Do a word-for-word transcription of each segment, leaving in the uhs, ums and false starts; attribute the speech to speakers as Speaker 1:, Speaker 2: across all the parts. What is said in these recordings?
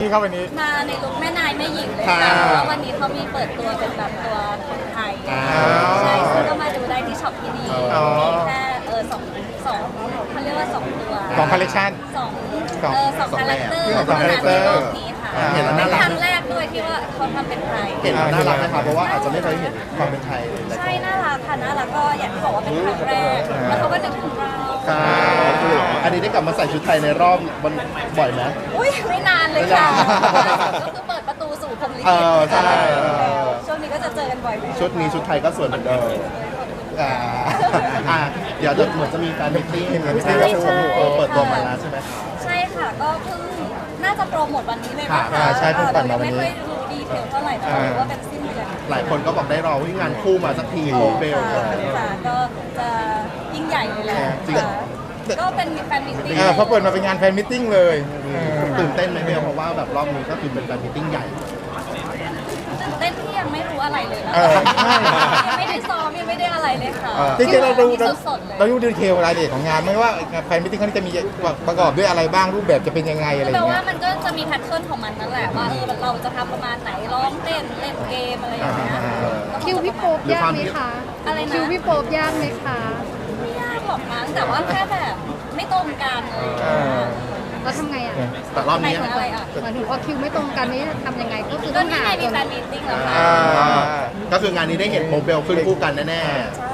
Speaker 1: ครับวันนี้
Speaker 2: มาในลุคแม่นายแม่หญิงเลยค่ะเพราะว่าวันนี้เขามีเปิดตัวเป็นแบบตัวคนไทยใช่ซึ่งก็มาดูได้ที่ช็อปที่นี่มีแค่เออสองสองเขาเรียกว่าสองตัว
Speaker 1: สองคอลเลคชัน
Speaker 2: สองเออสองคาแรคเตอร์
Speaker 1: สองคาแรคเตอร์
Speaker 2: ในโลกนี้ค่ะเป็นครั้งแรกด้วยที่ว่าเขาทำเป็นไทย
Speaker 3: เห็นแล้วน่ารักนะครับเพราะว่าอาจจะไม่เคยเห็นความเป็นไทยเลย
Speaker 2: ใช่น่ารักค่ะน่ารักก็อย่างที่บอกว่าเป็นครั้งแรกแล้วเขาก็นึกถึงเรา
Speaker 3: อันนี้ได้กลับมาใส่ชุดไทยในรอบมันบ่อยไหม
Speaker 2: อุ้ยไม่นานเลยค่ะก็คือเปิดประตูสู่พรหมลิขิต
Speaker 3: ใช่
Speaker 2: ช่วงนี้ก็จะเจอกันบ่อยไหม
Speaker 3: ชุดนี้ชุดไทยก็สวยเหมือนเดิมอ่าเดี๋ยวจะเหมือนจะมีการมิทติ้งใช่ใช่เปิดตัวมาแล้วใช่ไหม
Speaker 2: ใช่ค่ะก็เพิ่งน่าจะโปรโมทวันนี้เลยนะคะ
Speaker 1: ใช่เพิ่งปั่นมาวันนี้
Speaker 2: ไม่ค่อยรู้ดีเทลเท่าไหร่แต่รู้ว่าเป็นสิ้นเดือน
Speaker 3: หลายคนก็บอกได้รอวิ่งงานคู่มาสักทีเบล
Speaker 2: ค่ะก็จะยิ่งใหญ่เลยแหละก็เป็นแฟนมิทติ้ง
Speaker 1: เขาเปิดมาเป็นงานแฟนมิทติ้งเลย
Speaker 3: ตื่นเต้นไหมเบลเพราะว่าแบบรอบนี้ก็คือเป็นแฟนมิทติ้งใหญ่
Speaker 2: ตื่นเต้นที่ยังไม่รู้อะไรเลยนะยังไม่ได้ซ้อมยังไม่ได้อะไรเลยค่ะ
Speaker 1: จริงๆเราดูเราดูดีเทลรายละเอียดของงานไม่ว่าแฟนมิทติ้งเขาจะมีประกอบด้วยอะไรบ้างรูปแบบจะเป็นยังไงอะไรอย่างเงี้ย
Speaker 2: แปลว่ามันก็จะมีแพทเทิร์นของมันนั่นแหละว่าเออเราจะทำประมาณไหนร้องเต้นเล่นเกมอะไรอย่างเงี้ย
Speaker 4: คิวพี่โป๊ปยากไหมคะ
Speaker 2: อะไรนะ
Speaker 4: คิวพี่โป๊ปยากไหมคะ
Speaker 2: ไม่ยากหรอกมั้งแต่ว่าแค่แบบไม่ตรงกันเลย
Speaker 4: เราทำไงอ่ะ
Speaker 3: แต่รอบนี้
Speaker 2: อะไรอ่ะ
Speaker 4: หมายถึงว่าคิวไม่ตรงกันนี่ทำยังไงก็คือ
Speaker 2: ก็
Speaker 4: ต้องหา
Speaker 2: มีแฟนมีตติ้งแล้วค่ะ
Speaker 3: ก็คืองานนี้ได้เห็นโมเบลขึ้นคู่กันแน่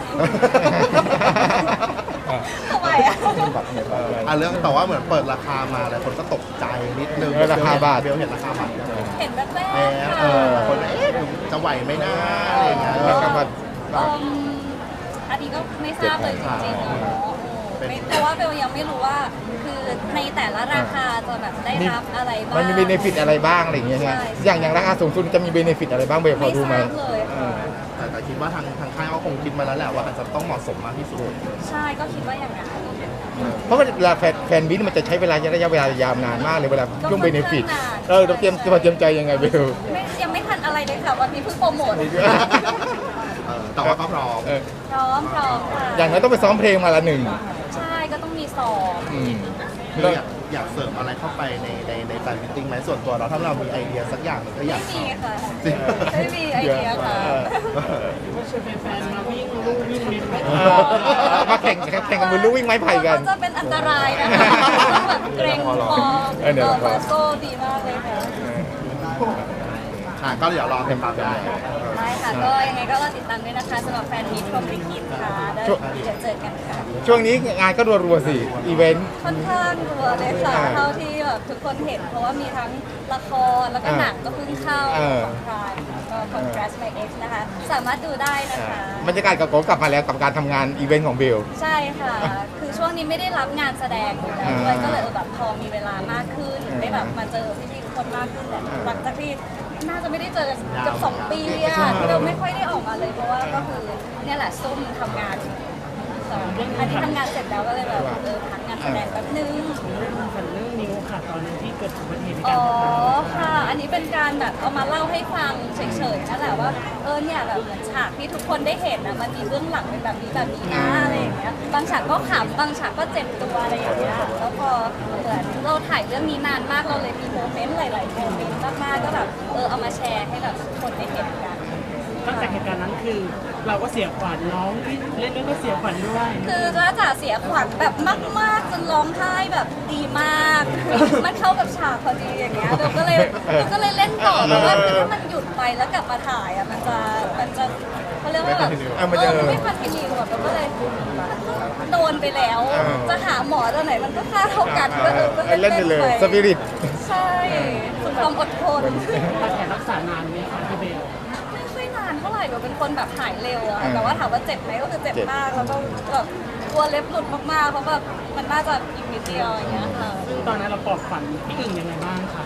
Speaker 2: ทำไมอ่ะ
Speaker 3: อ่ะเรื่องแต่ว่าเหมือนเปิดราคามาแล้วคนก็ตกใจนิดนึง
Speaker 1: ราคาบาท
Speaker 3: เบลเห็นราคาบาท
Speaker 2: เห็นแบบแรก
Speaker 3: เออคนเอ๊ะจะไหวไหมนะอะไรอย่างเงี้ย
Speaker 1: ราคาบาท
Speaker 2: อันนี้ก็ไม่ทราบเลยจริงๆเนาะเพราะว่าเบลยังไม่รู้ว่าคือในแต่ละราคาจะแบบได้รับอะไรบ้าง
Speaker 1: มันมีเบเนฟิตอะไรบ้างอะไรอย่างเงี้ยใช่อย่างอย่างราคาสูงสุดจะมีเบเนฟิตอะไรบ้างเบลพอดูไหม
Speaker 3: แต่แต่คิดว่าทางทางค่ายเขาคงคิดมาแล้วแหละว่าอาจจะต้องเหมาะสมมากที่สุด
Speaker 2: ใช่ก็คิดว่าอย่างนั้น
Speaker 1: เพราะว่าเวลาแฟนบินมันจะใช้เวลาระยะเวลายาวนานมากเลยเวลาช่วงเบเนฟิตเออเราเตรียมตัวเตรียมใจยังไงเบล
Speaker 2: ยังไม่ทันอะไรเลยค่ะวันนี้เพิ่งโปรโมท
Speaker 3: แต่ว่าก็พร้อม
Speaker 2: พร้อมพร้อมค่ะ
Speaker 1: อย่างนั้นต้องไปซ้อมเพลงมาละหนึ่ง
Speaker 2: ใช่ก็ต้องมีซ้อม
Speaker 3: อยากอยากเสริมอะไรเข้าไปในในในแฟนมิทติ้งไหมส่วนตัวเราถ้าเรามีไอเดียสักอย่างก็อยาก
Speaker 2: ไม่มีค่ะไม่มีไอเดียค่ะ
Speaker 5: ว่าชวนแฟนๆมาวิ่งลู่วิ่งไม้ไผ่
Speaker 1: มาแข่งแข่งกันบนลู่วิ่งไม้ไผ่กัน
Speaker 2: จะเป็นอันตรายนะคะแบบเกรงคอเออโซ่ดีมากเลยค่ะ
Speaker 3: อ่าก็เดี๋ยวรอติดตามได้
Speaker 2: ใช่ค่ะก็ยังไงก็รอติดตามด้วยนะคะสำหรับแฟนมิตรพรหมลิขิตค่ะเดี๋ยวเจอกันค่ะ
Speaker 1: ช่วงนี้งานก็รัวๆสิอีเวนต์
Speaker 2: ค่อนข้างรัวเลยค่ะเท่าที่แบบทุกคนเห็นเพราะว่ามีทั้งละครแล้วก็หนังก็เพิ่งเข้าของพรายก็ Congrats My Ex นะคะสามารถดูได้นะคะ
Speaker 1: บรรยากาศกับโกกลับมาแล้วกับการทำงานอีเวนต์ของเบล
Speaker 2: ใช่ค่ะคือช่วงนี้ไม่ได้รับงานแสดงแล้วด้วยก็เลยแบบพอมีเวลามากขึ้นได้แบบมาเจอพี่ๆทุกคนมากขึ้นแหละหลังจากที่น่าจะไม่ได้เจอกันเกือบสองปีอะที่เราไม่ค่อยได้ออกมาเลยเพราะว่าก็คือเนี่ยแหละซุ่มทำงานอันนี้ทำงานเสร็จแล้วก็เลยแบบเออพักงานแสดงแป๊บนึง
Speaker 5: เรื่องนิ้วค่ะตอนนี้ที่เกิดอุบัติเหตุ
Speaker 2: อ๋อค่ะอันนี้เป็นการแบบเอามาเล่าให้ฟังเฉยๆนั่นแหละว่าเออเนี่ยแบบเหมือนฉากที่ทุกคนได้เห็นนะมันมีเบื้องหลังเป็นแบบนี้แบบนี้นะอะไรอย่างเงี้ยบางฉากก็ขำบางฉากก็เจ็บตัวอะไรอย่างเงี้ยแล้วพอเหมือนเราถ่ายเรื่องนี้นานมากเราเลยมีโมเมนต์หลายๆโมเมนต์มากๆก็แบบเออเอามาแชร์ให้แบบคนได้เห็นกัน
Speaker 5: ตั้งแต่เหตุการณ์นั้นคือเราก็เสียขวัญน้องที่เล่นด้วยก็เสียขวัญด้วย
Speaker 2: คือจ้าจ๋าเสียขวัญแบบมากๆจนร้องไห้แบบดีมากมันเข้ากับฉากพอดีอย่างเงี้ยเราก็เลยเราก็เลยเล่นต่อเพราะว่าถ้ามันหยุดไปแล้วกลับมาถ่ายอ่ะมันจะมันจะเขาเรียกว่าแบบเออไม่คอนติเนียแบบเราก็เลยโดนไปแล้วจะหาหมอตัวไหนมันก็ค่าเท่ากันก็เออก็
Speaker 1: เล่นไปเลยสปิริต
Speaker 2: ใช่สุดความอดทน
Speaker 5: การแข่รักษานานไหมคะพี่เบล
Speaker 2: ไม่นานเท่าไหร่เราเป็นคนแบบหายเร็วอะแต่ว่าถามว่าเจ็บไหมก็คือเจ็บมากแล้วก็แบบกลัวเล็บหลุดมากๆเพราะแบบมันน่าจะอีกนิดเดียวอย่างเงี้ยค่ะ
Speaker 5: ซึ่งตอนนั้นเราปลอบฝันพี่อึ่งยังไงบ้างคะ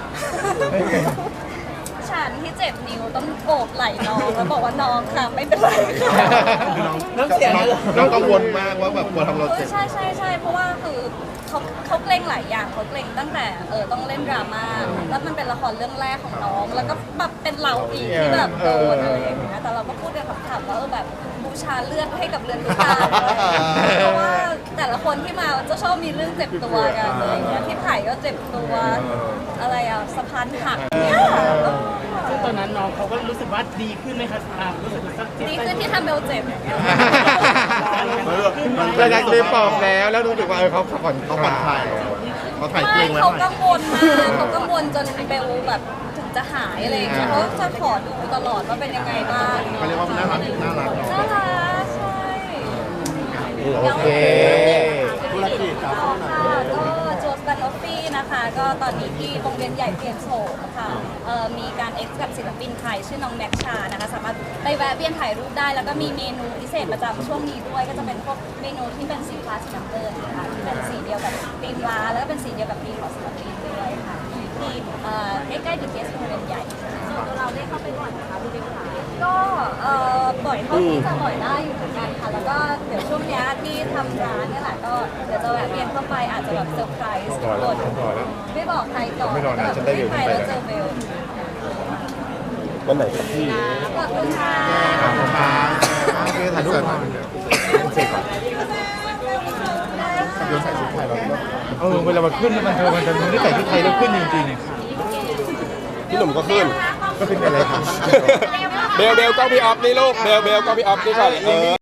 Speaker 2: ฉันที่เจ็บนิ้วต้องโอบไหล่น้องแล้วบอกว่าน้องค่ะไม่เป็นไรค่ะ
Speaker 3: น้องเสียน้องกังวลมากว่าแบบกลัวทำเราเจ็บ
Speaker 2: ใช่ใช่ใช่เพราะว่าคือเขาเขาเกรงหลายอย่างเขาเกรงตั้งแต่เออต้องเล่นดราม่าแล้วมันเป็นละครเรื่องแรกของน้องแล้วก็แบบเป็นเราอีกที่แบบโดนอะไรอย่างเงี้ยแต่เราก็พูดกันขำๆว่าเออแบบโอ้บูชาเลือดให้กับเรือนทุกตาเลยเพราะว่าแต่ละคนที่มาจะชอบมีเรื่องเจ็บตัวกันอะไรอย่างเงี้ยพี่ไผ่ก็เจ็บตัวอะไรอ่ะสะพานหักเนี่ย
Speaker 5: ซึ่งตอนนั้นน้องเขาก็รู้สึกว่าดีขึ้นไหมคะอ่ารู้สึกสัก
Speaker 2: ดีขึ้นที่ทำเบลเจ็บ
Speaker 1: เราอยากเรียนปอบแล้วแล้วรู้สึกว่าเออเขาผ่อนเขาผ่อนคลาย
Speaker 3: เขาถ่ายเกร
Speaker 2: ไม่
Speaker 3: งไว้
Speaker 2: เขา
Speaker 3: หน่อย
Speaker 2: กังวลมากเขากังวลจนเบลแบบถึงจะหายอะไรอย่างเงี้ยเขาจะขอดูตลอดว่าเป็นยังไงบ้าง
Speaker 3: เขาเรียกว่าน่ารักน่ารักเนาะ
Speaker 2: น่ารักใช่
Speaker 1: โอเค
Speaker 3: ธุรกิจครับ
Speaker 2: ค่ะก็โจสตันออฟฟี่นะคะ ก็ตอนนี้ที่โรงเรียนใหญ่เปลี่ยนโฉมค่ะเอ่อมีการเอ็กซ์กับศิลปินไทยชื่อน้องแม็กชานะคะสามารถไปแวะเวียนถ่ายรูปได้ แล้วก็มีเมนูพิเศษประจำช่วงนี้ด้วย ก็จะเป็นพวกเมนูที่เป็นสีฟ้าสีน้ำเงินนะคะที่เป็นสีเดียวกับธีมร้านแล้วก็เป็นสีเดียวกับธีมของศิลปินด้วยค่ะที่เอ่อใกล้ๆดิเกสโรงเรียนใหญ่ตัวเราได้เข้าไปบ่อยนะคะพี่เบลค่ะก็เอ่อบ่อยเท่าที่จะบ่อยได้อยู่เหมือนกันค่ะแล้วก็เดี๋ยวช่วงนี้ที่ทำร้านเนี่ยแหละก็เดี๋ยวจะแวะเวียนเข้าไปอาจจะแบบเซอร์ไพรส์ทุกคนไม่บอกใครก่อน
Speaker 1: ไม่บอกนะฉันได้เร็ว
Speaker 2: ไป
Speaker 1: ไป
Speaker 2: แล้ว
Speaker 1: แล้ว
Speaker 2: เจอเบล
Speaker 6: วันไหนครับพี่
Speaker 2: ขอบคุณค่ะ
Speaker 1: ขอบคุณครับโอเคถ่ายรูปก่อนเสร็จก่อน
Speaker 3: เดี๋ยวใส่ชุดไทยเราด้วย
Speaker 1: เออเวลามันขึ้นแล้วมันเธอมันจะมันได้ใส่ชุดไทยแล้วขึ้นจริง
Speaker 6: พี่หนุ่มก็ขึ้น
Speaker 1: ๆก็ขึ้นอะไรครับ
Speaker 6: เบลเบลก็พี่ออฟนี่ลูก เบลเบลก็พี่ออฟนี่ก่อนเออ